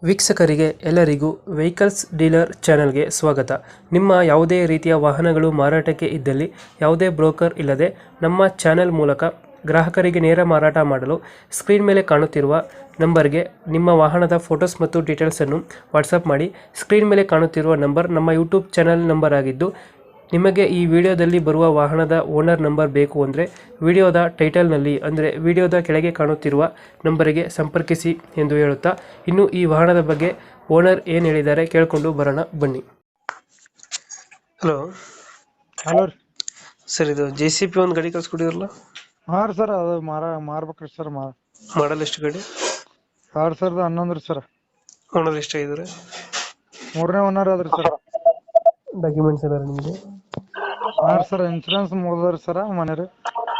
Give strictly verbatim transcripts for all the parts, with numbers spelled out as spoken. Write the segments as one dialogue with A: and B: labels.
A: ವೀಕ್ಷಕರಿಗೆ ಎಲ್ಲರಿಗೂ vehicles dealer ಚಾನೆಲ್ಗೆ ಸ್ವಾಗತ. ನಿಮ್ಮ ಯಾವುದೇ ರೀತಿಯ ವಾಹನಗಳು ಮಾರಾಟಕ್ಕೆ ಇದ್ದಲ್ಲಿ ಯಾವುದೇ ಬ್ರೋಕರ್ ಇಲ್ಲದೆ ನಮ್ಮ ಚಾನೆಲ್ ಮೂಲಕ ಗ್ರಾಹಕರಿಗೆ ನೇರ ಮಾರಾಟ ಮಾಡಲು ಸ್ಕ್ರೀನ್ ಮೇಲೆ ಕಾಣುತ್ತಿರುವ ನಂಬರ್ಗೆ ನಿಮ್ಮ ವಾಹನದ ಫೋಟೋಸ್ ಮತ್ತು ಡೀಟೇಲ್ಸನ್ನು ವಾಟ್ಸಪ್ ಮಾಡಿ. ಸ್ಕ್ರೀನ್ ಮೇಲೆ ಕಾಣುತ್ತಿರುವ ನಂಬರ್ ನಮ್ಮ ಯೂಟ್ಯೂಬ್ ಚಾನೆಲ್ ನಂಬರ್ ಆಗಿದ್ದು, ನಿಮಗೆ ಈ ವಿಡಿಯೋದಲ್ಲಿ ಬರುವ ವಾಹನದ ಓನರ್ ನಂಬರ್ ಬೇಕು ಅಂದರೆ ವಿಡಿಯೋದ ಟೈಟಲ್ನಲ್ಲಿ ಅಂದರೆ ವಿಡಿಯೋದ ಕೆಳಗೆ ಕಾಣುತ್ತಿರುವ ನಂಬರಿಗೆ ಸಂಪರ್ಕಿಸಿ ಎಂದು ಹೇಳುತ್ತಾ, ಇನ್ನು ಈ ವಾಹನದ ಬಗ್ಗೆ ಓನರ್ ಏನು ಹೇಳಿದ್ದಾರೆ ಕೇಳಿಕೊಂಡು ಬರೋಣ ಬನ್ನಿ. ಹಲೋ
B: ಹಲೋ ರೀ.
A: ಸರ್, ಇದು ಜೆ ಸಿ ಪಿ ಒಂದು ಗಾಡಿ ಕಳ್ಸ್ಕೊಟ್ಟಿದ್ರಲ್ಲ,
B: ಹಾ ರೀ ಸರ್, ಅದು ಮಾರ ಮಾರ್ಬೇಕ್ರಿ ಸರ್. ಮಾ
A: ಮಾಡಲ್ ಎಷ್ಟು ಗಾಡಿ?
B: ಎರಡ್ ಸಾವಿರದ ಹನ್ನೊಂದು ರೀ ಸರ್.
A: ಓನರ್ ಎಷ್ಟಾಗಿದ್ದಾರೆ?
B: ಮೂರನೇ ಓನರ್ ಅದ್ರಿ ಸರ್.
A: ಡಾಕ್ಯುಮೆಂಟ್ಸ್ ಎಲ್ಲ ನಿಮಗೆ?
B: ಹಾ ರೀ ಸರ್, ಇನ್ಶೂರೆನ್ಸ್ ಮುಗ್ದದ್ರಿ ಸರ್. ಮನೆ ರೀ.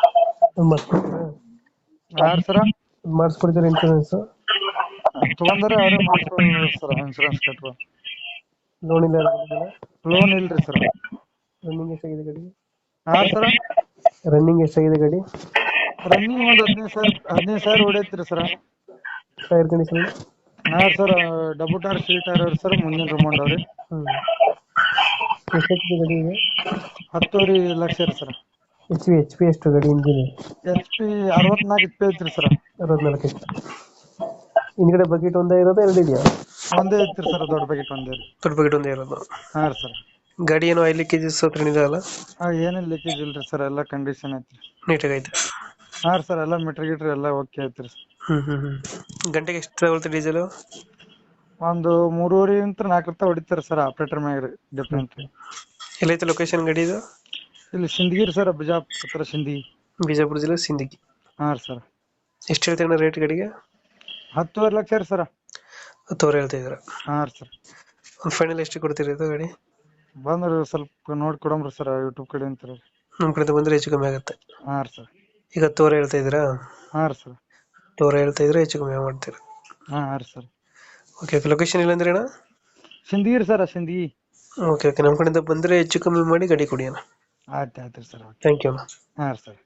B: ಹಾ ರೀ ಸರ್,
A: ಮಾಡಿಸ್ಕೊಡ್ತೀರಾ ಇನ್ಶೂರೆನ್ಸ್?
B: ತಗೊಂಡ್ರೆ ಅವ್ರೇ ಮಾಡ್ಸ್ಕೊಂಡ್ರಿ ಸರ್. ಇನ್ಶೂರೆನ್ಸ್ ಕಟ್ಟ
A: ಲೋನ್ ಇಲ್ಲ?
B: ಲೋನ್ ಇಲ್ರಿ ಸರ್.
A: ರನ್ನಿಂಗ್ ಎಷ್ಟಾಗಿದೆ ಗಾಡಿ?
B: ಹಾ ಸರ್,
A: ರನ್ನಿಂಗ್ ಎಷ್ಟಾಗಿದೆ ಗಾಡಿ?
B: ರನ್ನಿಂಗ್ ಒಂದ್ ಹದಿನೈದು ಸಾವಿರ ಹದಿನೈದು ಸಾವಿರ ಹೊಡೈತ್ರಿ ಸರ್.
A: Tyre condition?
B: ಹಾ ಸರ್, ಡಬಲ್ ಟೈರ್ ಸೀಟ್ ಅವ್ರಿ ಸರ್. ಮುಂದಿನ ರಿಮೌಂಡ್ ಅವ್ರಿ.
A: ಹ್ಮ್ ಎಷ್ಟಾಗಿದೆ ಗಾಡಿ ಇದೆ?
B: ಹತ್ತುವರೆ ಲಕ್ಷ ರೀ sir.
A: H P H P ಎಷ್ಟು ಗಾಡಿ ಇಂಜಿನ್?
B: ಎಚ್ ಪಿ ಅರವತ್ನಾಲ್ಕು ಇಪ್ಪೈ ಐತ್ರಿ ಸರ್.
A: ಅರವತ್ನಾಲ್ಕು ಎಷ್ಟು? ಹಿಂದ್ಗಡೆ ಬಕೆಟ್ ಒಂದೇ ಇರೋದು, ಎರಡು ಇದೆಯಾ?
B: ಒಂದೇ ಐತ್ರಿ ಸರ್, ದೊಡ್ಡ ಬಕೆಟ್ ಒಂದೇ ರೀ.
A: ದೊಡ್ಡ ಬಕೆಟ್ ಒಂದೇ ಇರೋದು?
B: ಹಾ ರೀ ಸರ್.
A: ಗಾಡಿ ಏನೋ ಐದು ಕೆಜಿಸ್ ಹತ್ರ ಇದೆಯಲ್ಲ?
B: ಹಾ, ಏನೇನ್ ಲೀಕೇಜ್ ಇಲ್ರಿ ಸರ್, ಎಲ್ಲ ಕಂಡೀಷನ್ ಐತ್ರಿ.
A: ನೀಟಾಗಿ ಐತೆ?
B: ಹಾ ರೀ ಸರ್, ಎಲ್ಲ ಮೀಟರ್ ಗೀಟ್ರ್ ಎಲ್ಲ ಓಕೆ ಐತ್ರಿ.
A: ಹ್ಮ್ ಹ್ಮ್ ಹ್ಮ್ ಗಂಟೆಗೆ ಎಷ್ಟು ತಗೊಳ್ತೀರಿ ಡೀಸೆಲ್?
B: ಒಂದು ಮೂರುವರೆ ಇಂತ ನಾಲ್ಕು ರೂಪಾಯಿ ಹೊಡಿತಾರೆ ಸರ್, ಆಪರೇಟರ್ ಮ್ಯಾಗ ಡಿಫ್ರೆಂಟ್ ರೀ.
A: ಎಲ್ಲೈತೆ ಲೊಕೇಶನ್ ಗಾಡಿ ಇದು?
B: ಇಲ್ಲಿ ಸಿಂದಗಿ ಸರ್, ಬಿಜಾಪುರ ಹತ್ರ ಸಿಂದಗಿ.
A: ಬಿಜಾಪುರ ಜಿಲ್ಲೆ ಸಿಂದಗಿ.
B: ಹಾ ರೀ ಸರ್.
A: ಎಷ್ಟು ಹೇಳ್ತೀರಣ್ಣ ರೇಟ್ ಗಾಡಿಗೆ?
B: ಹತ್ತುವರೆ ಲಕ್ಷ ರೀ ಸರ್.
A: ಹತ್ತುವರೆ ಹೇಳ್ತಾ ಇದ್ದೀರಾ?
B: ಹಾ ರೀ ಸರ್.
A: ಒಂದು ಫೈನಲ್ ಎಷ್ಟು ಕೊಡ್ತೀರಿ ಇದು ಗಾಡಿ?
B: ಬಂದ್ರಿ ಸ್ವಲ್ಪ ನೋಡಿ ಕೊಡಮ್ರಿ ಸರ್, ಯೂಟ್ಯೂಬ್ ಕಡೆ ಅಂತ ರೀ.
A: ನಮ್ಮ ಕಡೆಯಿಂದ ಬಂದರೆ ಹೆಚ್ಚು ಕಮ್ಮಿ ಆಗುತ್ತೆ?
B: ಹಾ ರೀ ಸರ್.
A: ಈಗ ಹತ್ತುವರೆ ಹೇಳ್ತಾ ಇದ್ದೀರಾ?
B: ಹಾ ರೀ ಸರ್.
A: ಹತ್ತುವರೆ ಹೇಳ್ತಾ ಇದ್ರೆ ಹೆಚ್ಚು ಕಮ್ಮಿ ಮಾಡ್ತೀರಾ?
B: ಹಾ ಹಾ ರೀ ಸರ್.
A: ಓಕೆ ಓಕೆ ಲೊಕೇಶನ್ ಇಲ್ಲ ಅಂದ್ರೆ ಅಣ್ಣ?
B: ಸಿಂದಗಿ ರೀ ಸರ್, ಸಿಂದಗಿ.
A: ಓಕೆ ಓಕೆ ನಮ್ಮ ಕಡೆಯಿಂದ ಬಂದರೆ ಹೆಚ್ಚು ಕಮ್ಮಿ ಮಾಡಿ ಗಾಡಿ ಕೊಡಿ ಅಣ್ಣ.
B: ಆಯ್ತು ಆಯ್ತು ರೀ ಸರ್.
A: ಥ್ಯಾಂಕ್ ಯು ಅಣ್ಣ.
B: ಹಾ ರೀ ಸರ್.